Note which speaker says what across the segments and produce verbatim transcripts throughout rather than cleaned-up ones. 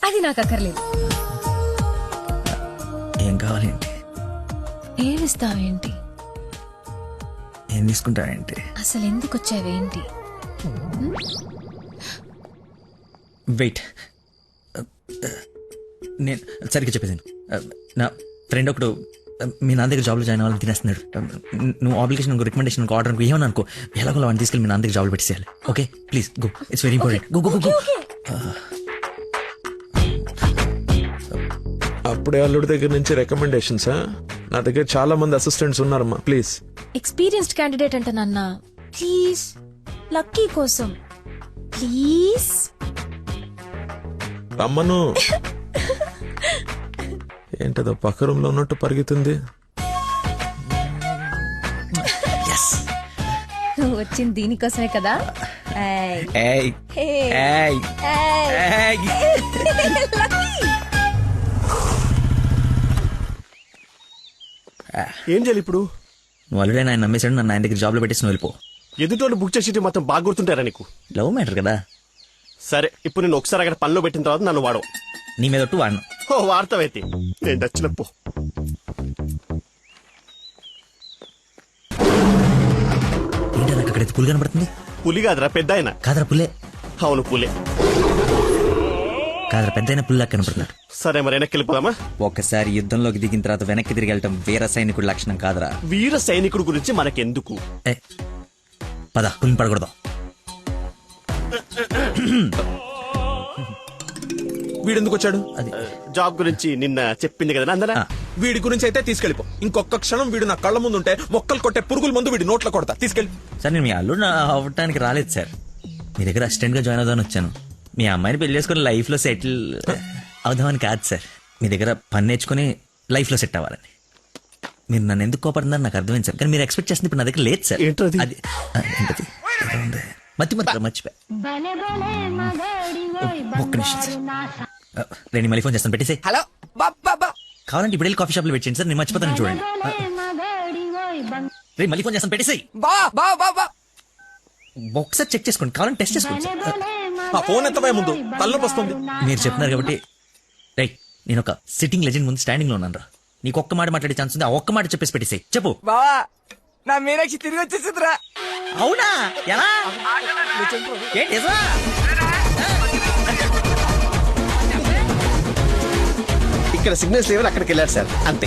Speaker 1: అది నాకు అక్కర్లేదు.
Speaker 2: ఏం కావాలేంటి?
Speaker 1: ఏమిస్తావేంటి?
Speaker 2: ఏం తీసుకుంటావేంటి?
Speaker 1: అసలు ఎందుకు వచ్చావేంటి?
Speaker 2: వెయిట్, నేను సరిగ్గా చెప్పేసాను. నా ఫ్రెండ్ ఒకడు మీ నాన్న దగ్గర జాబ్లో జాయిన్ అవ్వాలని తినేస్తున్నాడు. నువ్వు అప్లికేషన్ రికమెండేషన్ ఆర్డర్ అనుకో ఏమని అనుకో, ఎలాగో వాడిని తీసుకెళ్ళి మీ నాన్న దగ్గర జాబ్లో పెట్టేసేయాలి. Okay please go, it's very important. Go go go.
Speaker 3: అప్పుడే అల్లుడి దగ్గర నుంచి రికమెండేషన్సా? నా దగ్గర చాలా మంది అసిస్టెంట్స్ ఉన్నారమ్మా, ప్లీజ్.
Speaker 1: ఎక్స్పీరియన్స్డ్ క్యాండిడేట్ అంట నాన్న, ప్లీజ్ లక్కీ కోసం ప్లీజ్.
Speaker 3: రమ్మను. ఏంటదో పక్క రూమ్ లో ఉన్నట్టు పరిగెత్తుంది.
Speaker 1: నువ్వు వచ్చింది దీనికోసమే కదా. ఏయ్.
Speaker 2: ఏయ్.
Speaker 1: ఏయ్.
Speaker 2: ఏయ్.
Speaker 1: ఏయ్.
Speaker 2: ఏయ్.
Speaker 1: లక్కీ.
Speaker 4: ఏం చేయాలి ఇప్పుడు?
Speaker 2: నువ్వు ఆల్రెడీ ఆయన నమ్మేశాడు, నన్ను ఆయన దగ్గర జాబ్లో పెట్టేసి నువ్వు వెళ్ళిపో.
Speaker 4: ఎదుటోళ్ళు బుక్ చేసి మొత్తం బాగా గుర్తుంటారా నీకు?
Speaker 2: లవ్ మ్యాటర్ కదా.
Speaker 4: సరే, ఇప్పుడు నేను ఒకసారి అక్కడ పనిలో పెట్టిన తర్వాత నన్ను వాడవు.
Speaker 2: నీ మీద ఒట్టు వాడను.
Speaker 4: ఓ వార్తవైతే నేను నచ్చినప్పు.
Speaker 2: ఏంటి నాకు అక్కడైతే పులి కనబడుతుంది?
Speaker 4: పులి కాదురా, పెద్ద ఆయన.
Speaker 2: కాదరా పుల్లే.
Speaker 4: అవును పులే.
Speaker 2: కాదరా పెద్ద అయిన పుల్లా కనబడుతున్నాడు.
Speaker 4: సరే మరి వెనక్కి వెళ్ళిపోదామా?
Speaker 2: ఒక్కసారి యుద్ధంలోకి దిగిన తర్వాత వెనక్కి తిరిగి వెళ్ళటం వీర సైనికుడి లక్షణం కాదరా.
Speaker 4: వీర సైనికుడు గురించి మనకెందుకు?
Speaker 2: ఏ పద, పులిని పడకూడదు.
Speaker 3: వీడెందుకు వచ్చాడు?
Speaker 2: అది
Speaker 4: జాబ్ గురించి నిన్న చెప్పింది కదా అందరా.
Speaker 2: ఆ.
Speaker 3: వీడి గురించి అయితే తీసుకెళ్ళిపో. ఇంకొక క్షణం వీడు నా కళ్ళ ముందు ఉంటే మొక్కలు కొట్టే పురుగుల ముందు వీడి నోట్లో కొడతా. తీసుకెళ్ళి.
Speaker 2: సార్ నేను మీ అల్లుడు అవ్వటానికి రాలేదు సార్, మీ దగ్గర అసిస్టెంట్ గా జాయిన్ అవుదామని వచ్చాను. మీ అమ్మాయిని పెళ్లి చేసుకుని లైఫ్ లో సెటిల్ అవుదామని కాదు సార్, మీ దగ్గర పని నేర్చుకుని లైఫ్ లో సెట్ అవ్వాలని. మీరు నన్ను ఎందుకు కోపడుతున్నారు నాకు అర్థమైంది సార్, కానీ మీరు ఎక్స్పెక్ట్ చేస్తుంది ఇప్పుడు నా దగ్గర లేదు సార్.
Speaker 4: ఏంటది?
Speaker 2: అది ఆ, ఏంటది? ఏదో ఉంది. మతి మతి మర్చిపోయా. ఒక్క నిమిషం సార్, నేను మళ్ళీ ఫోన్ చేస్తాను, పెట్టేసి.
Speaker 5: హలో బాబా,
Speaker 2: కావాలంటే ఇప్పుడు వెళ్ళి కాఫీ షాప్ లో పెట్టండి సార్, నేను మర్చిపోతాను చూడండి. రే మళ్ళీ ఫోన్ చేస్తాను, పెట్టేసి.
Speaker 5: బా బా బా బా
Speaker 2: ఒకసారి చెక్ చేసుకోండి, కావాలంటే టెస్ట్ చేసుకోండి సార్.
Speaker 3: ఆ ఫోన్ ఎత్తబోయే ముందు తలనొప్పి వస్తుంది.
Speaker 2: మీరు చెప్తున్నారు కాబట్టి రైట్, నేను ఒక సిట్టింగ్ లెజెండ్ ముందు స్టాండింగ్ లో ఉన్నాను రా. నీకు ఒక్క మాట మాట్లాడే ఛాన్స్ ఉంది, ఆ ఒక్క మాట చెప్పేసి పెట్టేసాయి. చెప్పు.
Speaker 5: బావా, నా మీనాక్షి తిరిగి వచ్చేసిందిరా.
Speaker 2: అవునా? ఎలా? ఏంటి నిజమా?
Speaker 4: ఇక్కడ సిగ్నల్స్ లేవని అక్కడికి వెళ్ళారు సార్, అంతే.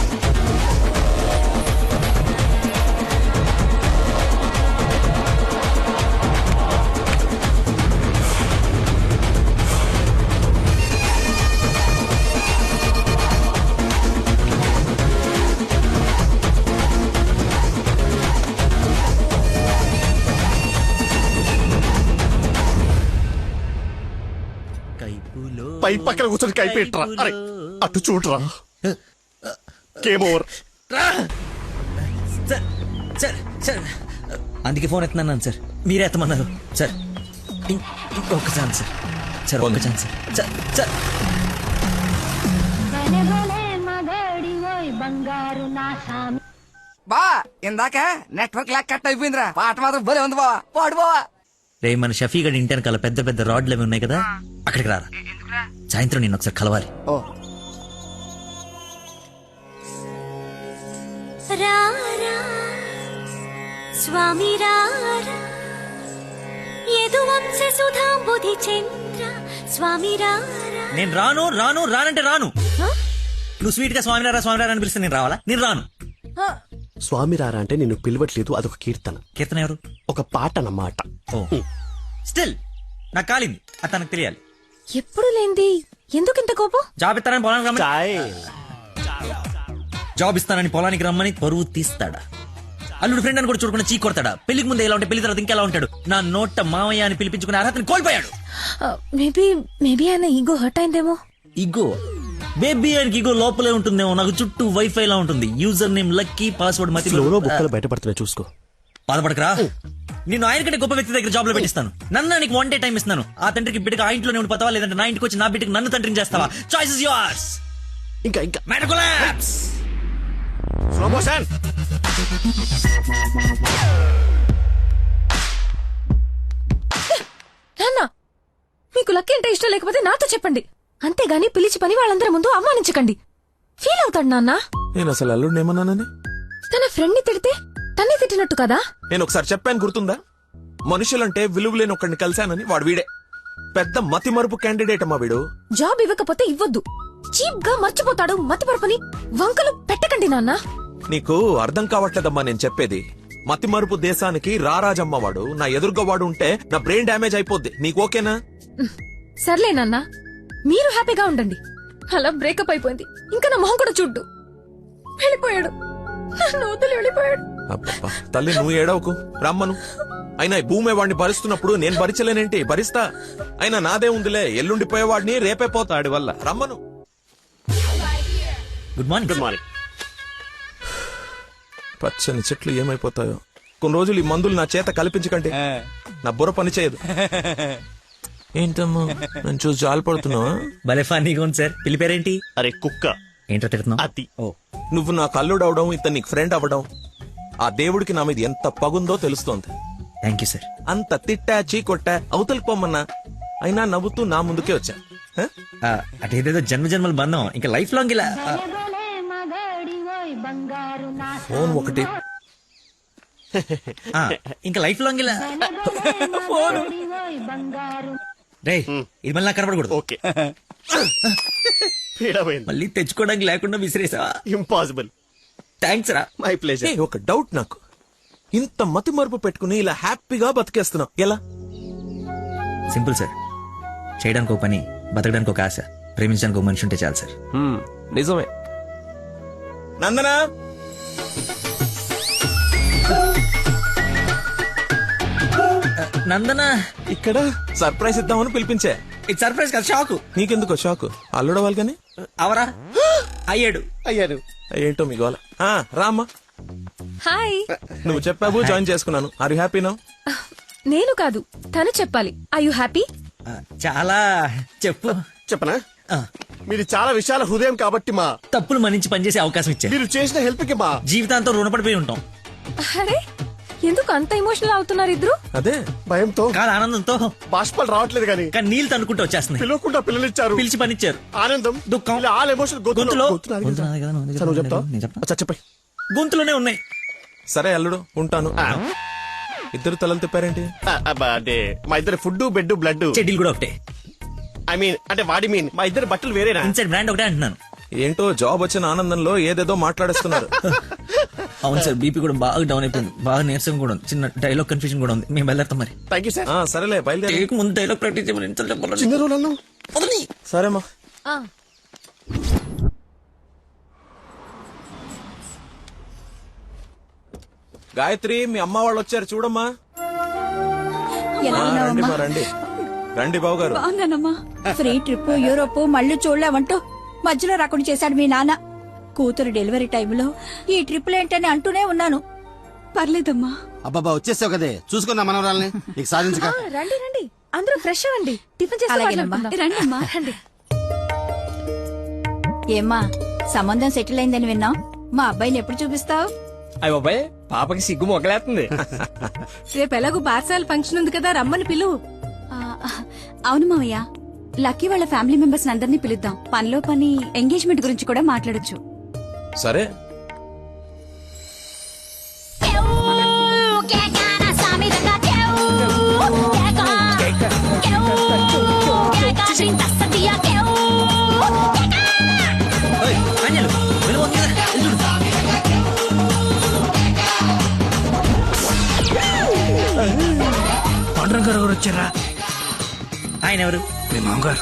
Speaker 2: కైపులో
Speaker 4: పై పక్కన కూర్చొని కైపెట్టరా. అరే అటు చూడరా. Game over.
Speaker 2: Sir sir sir అందుకే ఫోన్ ఎత్తున్నాను సార్, మీరే ఎత్తమన్నారు సార్. ఇం- ఇంకొక ఛాన్స్ సార్, సార్ ఒక్క ఛాన్స్ సార్. సార్ సార్
Speaker 5: బా ఇందాక నెట్వర్క్ లాక్ కట్ అయిపోయిందిరా. పాట మాత్రం భలే ఉంది బావా, పాడు బావా.
Speaker 2: రే మన షఫీ గడి ఇంటి వెనకాల పెద్ద పెద్ద రాడ్లు అవి ఉన్నాయి కదా, అక్కడికి రారా. సాయంత్రం నేను ఒకసారి కలవాలి.
Speaker 5: ఓ
Speaker 6: రారా స్వామి రారా యదువంశ సుధాంబుధి చంద్ర స్వామి రారా.
Speaker 2: నేను రాను రాను రానంటే రాను. నువ్వు స్వీట్ గా స్వామినారా స్వామినారా అని పిలిస్తే నేను రావాలా? నేను రాను.
Speaker 4: స్వామి రారా అంటే నిన్ను పిలవట్లేదు, అదొక కీర్తన,
Speaker 2: కీర్తన ఎవరు?
Speaker 4: ఒక పాట అన్నమాట.
Speaker 2: ఓ స్టిల్ నాకు కాలింది, అది తనకు తెలియాలి.
Speaker 1: ఎప్పుడు లేంది ఎందుకు ఇంత కోపం?
Speaker 2: జాబ్ ఇస్తానని పొలానికి రమ్మని
Speaker 4: చాయ్.
Speaker 2: జాబ్ ఇస్తానని పొలానికి రమ్మని పరువు తీస్తాడా? అల్లుడు ఫ్రెండ్ అని కూడా చూడకుండా చీ కొడతాడా? పెళ్లికి ముందు ఎలా ఉంటే పెళ్లి తర్వాత ఇంకెలా ఉంటాడు? నా నోట మామయ్య అని పిలిపించుకునే అర్హతని కోల్పోయాడు.
Speaker 1: మేబీ మేబీ ఆయన ఈగో హర్ట్ అయిందేమో.
Speaker 2: ఇగో బేబీ ఆయనకి ఇగో లోపలే ఉంటుందేమో, నాకు చుట్టూ వైఫై లా ఉంటుంది. యూజర్ నేమ్ లక్కీ, పాస్వర్డ్ మతి.
Speaker 4: ఫ్లోలో బుక్కలు బయటపడుతున్నాయి చూసుకో.
Speaker 2: బాధపడకరా, నేను ఆయన కంటే గొప్ప వ్యక్తి దగ్గర జాబ్ లో పెట్టిస్తాను. నన్ను నీకు వన్ డే టైం ఇస్తున్నాను. ఆ తండ్రికి బిడ్డకి ఆ ఇంట్లోనే ఉండిపోతావా, లేదంటే నా ఇంటికి వచ్చి నా బిడ్డకి నన్ను తండ్రిని చేస్తావా? Choice is yours.
Speaker 4: ఇంకా ఇంకా
Speaker 2: మ్యాటర్ కొలాప్స్.
Speaker 4: Slow motion.
Speaker 1: నాన్న మీకు లక్కీ అంటే ఇష్టం లేకపోతే నాతో చెప్పండి. అంతేగాని పిలిచి పని వాళ్ళందరి ముందు అవమానించకండి. ఫీల్ అవుతాడు నాన్న.
Speaker 3: నేను అసలు అల్లుడిని ఏమన్నానని?
Speaker 1: తన ఫ్రెండ్ ని తిడితే తన్నే తిట్టినట్టు కదా.
Speaker 3: నేను ఒకసారి చెప్పాను గుర్తుందా? మనుషులంటే విలువలేని ఒకడిని కలిశానని. వాడు వీడే పెద్ద మతి మరుపు క్యాండిడేట్ అమ్మా వీడు.
Speaker 1: జాబ్ ఇవ్వకపోతే ఇవ్వద్దు. చీప్ గా మర్చిపోతాడు. మతిపరపని వంకలు పెట్టకండి నాన్న.
Speaker 3: నీకు అర్థం కావట్లేదమ్మా నేను చెప్పేది. మతి మరుపు దేశానికి రారాజమ్మ వాడు. నా ఎదురుగా వాడు ఉంటే నా బ్రెయిన్ డ్యామేజ్ అయిపోద్ది. నీకు ఓకేనా?
Speaker 1: సర్లే నాన్న, మీరు హ్యాపీగా ఉండండి. అలా బ్రేకప్ అయిపోయింది. ఇంకా నా మొహం కూడా చూడ్డు. వెళ్ళిపోయాడు. నన్ను వదిలి వెళ్ళిపోయాడు.
Speaker 3: అబ్బబ్బా, తల్లి నువ్వు ఏడవకు, రమ్మను. అయినా ఈ భూమి వాడిని భరిస్తున్నప్పుడు నేను భరించలేనేంటి? భరిస్తా. అయినా నాదే ఉందిలే, ఎల్లుండిపోయేవాడిని రేపే పోతాడి వల్ల. రమ్మను.
Speaker 2: Good morning.
Speaker 4: Good morning.
Speaker 3: పచ్చని చెట్లు ఏమైపోతాయో. కొన్ని రోజులు ఈ మందులు నా చేత కల్పించకండి, నా బుర్ర పని చేయదు. ఏంటమ్మా నన్ను చూసి జాలిపడుతున్నావా?
Speaker 2: భలే ఫన్నీగా ఉంది సార్. పిల్లి పేరేంటి?
Speaker 4: అరే కుక్క.
Speaker 2: ఏంటో తిడుతున్నావు?
Speaker 4: అతి.
Speaker 2: ఓ,
Speaker 3: నువ్వు నా కల్లుడు అవడం, ఇతను నీకు ఫ్రెండ్ అవ్వడం, ఆ దేవుడికి నా మీద ఎంత పగుందో తెలుస్తోంది.
Speaker 2: Thank you sir.
Speaker 3: అంత తిట్టా చీకొట్టా అవతలికి పొమ్మన్నా అయినా నవ్వుతూ నా ముందుకే వచ్చా. హ?
Speaker 2: ఆ, అటేదేదో జన్మ జన్మల బంధం ఇంకా లైఫ్ లాంగ్ ఇలా. ఆ,
Speaker 3: ఫోన్ ఒకటి.
Speaker 2: ఆ, ఇంకా లైఫ్ లాంగ్ ఇలా. రేయ్, ఇది మళ్ళీ నాకు కనపడకూడదు.
Speaker 4: ఓకే. పీడమైంది.
Speaker 2: మళ్ళీ తెచ్చుకోవడానికి లేకుండా విసిరేసావా?
Speaker 4: ఇంపాసిబుల్.
Speaker 2: థ్యాంక్స్ రా.
Speaker 4: My pleasure.
Speaker 3: ఏయ్, ఒక డౌట్ నాకు. ఇంత మతి మరుపు పెట్టుకుని ఇలా హ్యాపీగా బతికేస్తున్నావు ఎలా?
Speaker 2: Simple sir. చేయడానికి ఒక పని, బతకడానికి ఒక ఆశ, ప్రేమించడానికి ఒక మనిషి ఉంటే చాలు సార్.
Speaker 3: నిజమే. నందనా,
Speaker 2: నందన,
Speaker 3: ఇక్కడ సర్ప్రైజ్ ఇద్దామని పిలిపించే.
Speaker 2: ఇది సర్ప్రైజ్ కదా, షాక్.
Speaker 3: నీకెందుకో షాకు? అల్లుడవాలి కానీ
Speaker 2: అవరా అయ్యాడు.
Speaker 4: అయ్యారు.
Speaker 3: ఏంటో మీ గోల. ఆ, రామ్మా.
Speaker 1: హాయ్.
Speaker 3: నువ్వు చెప్పావు, జాయిన్ చేసుకున్నాను. Are you happy now?
Speaker 1: నేను కాదు, తను చెప్పాలి. I you happy?
Speaker 2: ఆ, చాలా. చెప్పు.
Speaker 4: చెప్పనా?
Speaker 2: ఆ,
Speaker 4: మీరు చాలా విశాల హృదయం కాబట్టి మా
Speaker 2: తప్పులు మన్నించి పనిచేసే అవకాశం ఇచ్చా.
Speaker 4: మీరు చేసిన హెల్ప్ కి మా
Speaker 2: జీవితాంతం రుణపడిపోయి ఉంటాం.
Speaker 1: అరే, ఎందుకు అంత ఎమోషనల్ అవుతున్నారు ఇద్దరు?
Speaker 3: అదే
Speaker 4: భయంతో
Speaker 2: కాదు, ఆనందంతో.
Speaker 4: బాష్పాలు రావట్లేదు కానీ
Speaker 2: కానీ నీళ్ళు తనుకుంటూ వచ్చేస్తున్నాయి.
Speaker 4: పిలవకుండా పిల్లలు ఇచ్చారు.
Speaker 2: పిలిచి పనిచ్చారు.
Speaker 4: ఆనందం,
Speaker 2: దుఃఖం.
Speaker 4: ఇలా ఆల్ ఎమోషన్
Speaker 2: గొంతులో.
Speaker 4: గొంతు నాది
Speaker 2: గొంతు
Speaker 4: కదా.
Speaker 2: నాది కదా, నువ్వు
Speaker 4: సరే, నువ్వు చెప్తావా?
Speaker 2: నేను చెప్తా.
Speaker 4: అచ్చా, చెప్పండి.
Speaker 2: గొంతులోనే ఉన్నాయి.
Speaker 3: సరే అల్లుడు, ఉంటాను. ఇద్దరు తలలు తిప్పారేంటి?
Speaker 4: ఆ, అబ్బా, అంటే మా ఇద్దరు ఫుడ్ బెడ్ బ్లడ్.
Speaker 2: చెడ్డీలు కూడా ఒకటే.
Speaker 4: ఐ మీన్ అంటే వాడి మీన్ మా ఇద్దరు బట్టలు వేరేనా?
Speaker 2: ఇన్సైడ్ బ్రాండ్ ఒకటే అంటున్నాను.
Speaker 3: ఏంటో జాబ్ వచ్చిన ఆనందంలో ఏదేదో మాట్లాడేస్తున్నారు.
Speaker 2: అవును సార్, బీపీ కూడా బాగా డౌన్ అయిపోయింది. బాగా నీరసం కూడా ఉంది. చిన్న డైలాగ్ కన్ఫ్యూజన్ కూడా ఉంది. మేము వెళ్ళాం మరి.
Speaker 4: Thank you sir.
Speaker 3: ఆ, సరేలే బయలుదేరి.
Speaker 2: టేక్ ముందు డైలాగ్ ప్రాక్టీస్ చేయమని ఎంత చెప్పాలి?
Speaker 4: చిన్న రోజులలో
Speaker 2: వదలని.
Speaker 3: సరేమ్మా.
Speaker 1: ఆ,
Speaker 3: గాయత్రి, మీ అమ్మ వాళ్ళు వచ్చారు చూడమ్మా.
Speaker 7: ఎలా
Speaker 3: ఆ, రండి
Speaker 7: ఉన్నావమ్మా?
Speaker 3: మా, రండి రండి బాబు గారు.
Speaker 7: బాగున్నానమ్మా. ఫ్రీ ట్రిప్ యూరోప్ మళ్ళీ చూడలేమంటూ మధ్యలో రాకుండా చేశాడు మీ నాన్న. కూతురు డెలివరీ టైంలో ఈ ట్రిప్ ఏంటని అంటూనే ఉన్నాను. పర్లేదమ్మా.
Speaker 8: అబ్బాబా వచ్చేసావు కదే, చూసుకున్నా మనవరాల్ని ఇక సాధించక.
Speaker 1: ఆ, రండి రండి, అందరూ ఫ్రెష్ అవ్వండి. టిఫిన్ చేసి
Speaker 7: అలాగేనమ్మా. రండమ్మా.
Speaker 1: రండి.
Speaker 7: ఏమ్మా, సంబంధం సెటిల్ అయిందని విన్నాం. మా అబ్బాయిని ఎప్పుడు చూపిస్తావు?
Speaker 5: అయ్య బాబాయ్, పాపకి సిగ్గు మొగలేస్తుంది.
Speaker 1: రేపు ఎలాగో పార్సాల ఫంక్షన్ ఉంది కదా, రమ్మని పిలువు.
Speaker 7: అవును మావయ్య, లక్కీ వాళ్ళ ఫ్యామిలీ మెంబర్స్ అందరినీ పిలుద్దాం. పనిలో పని ఎంగేజ్మెంట్ గురించి కూడా మాట్లాడొచ్చు.
Speaker 3: సరే.
Speaker 2: ఓయ్, ఆంజనేయులు, వెళ్ళు, వంగి రా, వెళ్ళు చూడు.
Speaker 9: పాండురంగ గారు వచ్చారా?
Speaker 2: ఆయన ఎవరు?
Speaker 9: మీ మామగారు.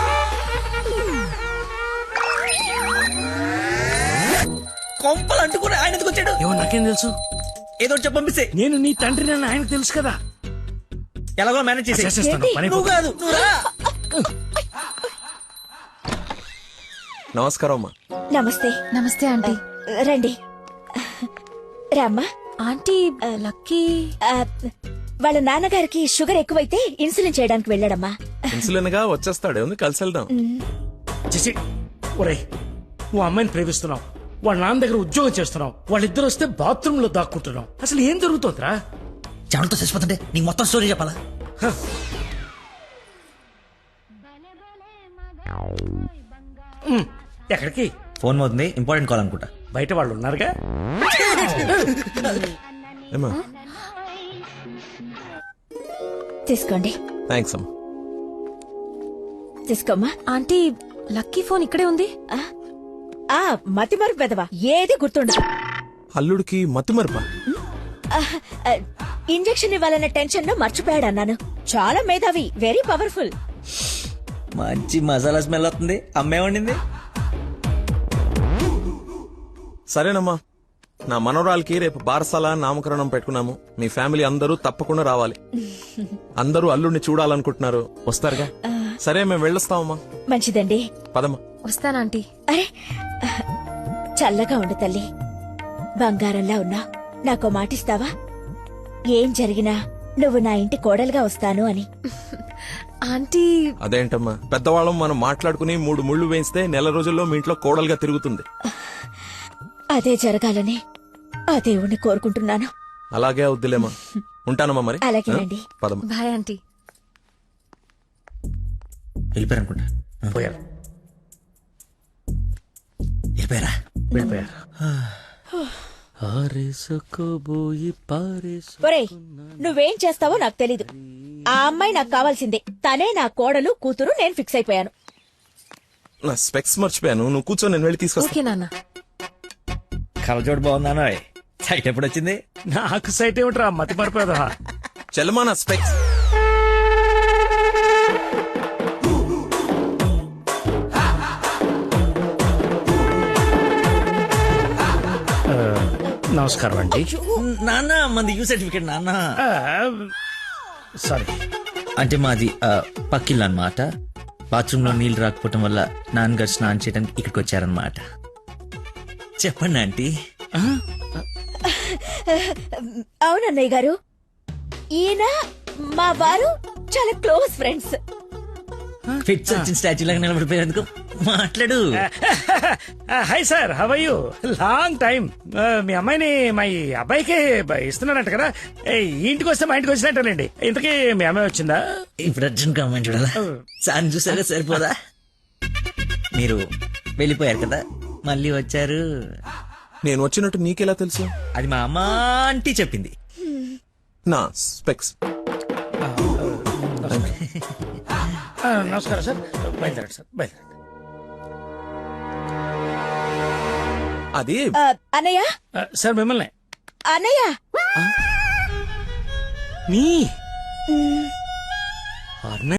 Speaker 2: కొంపలు అంటుకుని ఆయన ఎందుకు వచ్చాడు?
Speaker 9: ఏమో నాకేం తెలుసు.
Speaker 2: ఏదో ఒకటి చెప్పి పంపిస్తే
Speaker 9: నేను నీ తండ్రి నన్ను ఆయనకు తెలుసు కదా.
Speaker 2: ఎలాగో మేనేజ్ చేసి.
Speaker 9: చేసేస్తాను, పని
Speaker 2: నువ్వు కాదు, నువ్వు రా.
Speaker 3: నమస్కారం అమ్మా.
Speaker 7: నమస్తే.
Speaker 1: నమస్తే ఆంటీ.
Speaker 7: రండి. రామ్మా.
Speaker 1: ఆంటీ, లక్కీ
Speaker 7: వాళ్ళ నాన్నగారికి షుగర్ ఎక్కువైతే ఇన్సులిన్ చేయడానికి వెళ్ళాడమ్మా.
Speaker 3: ఇన్సులిన్ గా వచ్చేస్తాడు, ఉంది కలిసి వెళ్దాం.
Speaker 9: చేసి ఒరే, నువ్వు అమ్మాయిని ప్రేమిస్తున్నావు, వాళ్ళ నాన్న దగ్గర ఉద్యోగం చేస్తున్నావు, వాళ్ళిద్దరు వస్తే బాత్రూమ్ లో దాక్కుంటున్నావు. అసలు ఏం జరుగుతుందిరా?
Speaker 2: చెమటతో చచ్చిపోతుంటే నీకు మొత్తం స్టోరీ చెప్పాలా?
Speaker 9: ఉమ్, ఎక్కడికి?
Speaker 2: ఫోన్ అవుతుంది, ఇంపార్టెంట్ కాల్ అనుకుంటా.
Speaker 9: బయట వాళ్ళు ఉన్నారుగా.
Speaker 3: ఏమా
Speaker 7: తీసుకోండి,
Speaker 3: థ్యాంక్స్ అమ్మా.
Speaker 7: తీసుకోమ్మా.
Speaker 1: ఆంటీ లక్కీ ఫోన్ ఇక్కడే ఉంది.
Speaker 7: ఆ మతి మరుపు పెదవా, ఏది గుర్తుండదు.
Speaker 3: అల్లుడికి మతిమరుపా?
Speaker 7: ఇంజెక్షన్ ఇవ్వాలన్న టెన్షన్ లో మర్చిపోయాడు అన్నాను. చాలా మేధావి, వెరీ పవర్ఫుల్.
Speaker 2: మంచి మసాలా స్మెల్ వస్తుంది. అమ్మే వండింది.
Speaker 3: సరేనమ్మా, నా మనవరాలకి రేపు బారసాల నామకరణం పెట్టుకున్నాము. మీ ఫ్యామిలీ అందరూ తప్పకుండా రావాలి. అందరూ అల్లుడిని చూడాలనుకుంటున్నారు, వస్తారుగా? సరే, మేము వెళ్ళొస్తామమ్మా.
Speaker 7: మంచిదండి,
Speaker 3: పదమ్మా.
Speaker 1: వస్తానంటీ.
Speaker 7: అరే చల్లగా ఉండు తల్లి, బంగారంలా ఉన్నా. నాకో మాటిస్తావా? ఏం జరిగినా నువ్వు నా ఇంటి కోడలుగా వస్తాను అని.
Speaker 1: ఆంటీ
Speaker 3: అదేంటమ్మా, పెద్దవాళ్ళం మనం మాట్లాడుకుని మూడు ముళ్ళు వేయిస్తే నెల రోజుల్లో మీ ఇంట్లో కోడలుగా తిరుగుతుంది.
Speaker 7: అదే జరగాలని ఆ దేవుణ్ణి కోరుకుంటున్నాను.
Speaker 3: అలాగే అవుద్దిలేమా. ఉంటానమ్మా మరి.
Speaker 7: అలాగేనండి.
Speaker 3: ఆ, పదమ్మా.
Speaker 1: Bye aunty.
Speaker 2: వెళ్ళిపోయారు అనుకుంటా.
Speaker 9: పోయారు
Speaker 2: వెళ్ళిపోయారా?
Speaker 9: వెళ్ళిపోయారు.
Speaker 7: ఒరేయ్, నువ్వేం చేస్తావో నాకు తెలీదు. ఆ అమ్మాయి నాకు కావాల్సిందే. తనే నా కోడలు, కూతురు. నేను ఫిక్స్ అయిపోయాను.
Speaker 3: నా స్పెక్స్ మర్చిపోయాను. నువ్వు కూర్చో, నేను వెళ్ళి తీసుకొస్తా.
Speaker 1: ఓకే నాన్న.
Speaker 2: కలజోడు బాగుందానో. సైట్ ఎప్పుడు వచ్చింది?
Speaker 9: నాకు సైట్ ఏమిట్రా, మతి మరిపోదా.
Speaker 3: చెల్లమా నా స్పెక్స్.
Speaker 9: నమస్కారం అండి.
Speaker 2: నాన్న మంది యూ సర్టిఫికేట్ నాన్న.
Speaker 9: సారీ.
Speaker 2: అంటే మాది ఆ, పక్కిల్లు అన్నమాట. బాత్రూమ్ లో నీళ్లు రాకపోవటం వల్ల నాన్నగారు స్నానం చేయడానికి ఇక్కడికి వచ్చారనమాట. చెప్పండి ఆంటీ.
Speaker 7: అవునన్నయ్య గారు, ఈయన మా వారు చాలా క్లోజ్ ఫ్రెండ్స్.
Speaker 2: ఫిట్స్ వచ్చిన స్టాచ్యూ లాగా నిలబడిపోయేందుకు మాట్లాడు.
Speaker 9: Hi sir, how are you? Long time. మీ అమ్మాయిని మా ఈ అబ్బాయికి ఇస్తున్నారంట కదా. ఏ, ఈ ఇంటికి వస్తే మా ఇంటికి వచ్చినట్టేనండి. ఇంతకీ మీ అమ్మాయి వచ్చిందా?
Speaker 2: ఇప్పుడు అర్జున్ కమ్మని చూడాలా? సార్ చూసారా, సరిపోదా? మీరు వెళ్ళిపోయారు కదా, మళ్ళీ వచ్చారు.
Speaker 3: నేను వచ్చినట్టు నీకెలా తెలుసు?
Speaker 2: అది మా అమ్మ ఆంటీ చెప్పింది.
Speaker 3: నా స్పెక్స్.
Speaker 9: ఆ, నమస్కారం సార్, బయలుదేరండి సార్, బయలుదేరండి.
Speaker 3: అది
Speaker 7: ఆ, అన్నయ్య,
Speaker 9: ఆ, సార్ మిమ్మల్ని.
Speaker 7: అన్నయ్య.
Speaker 9: మీ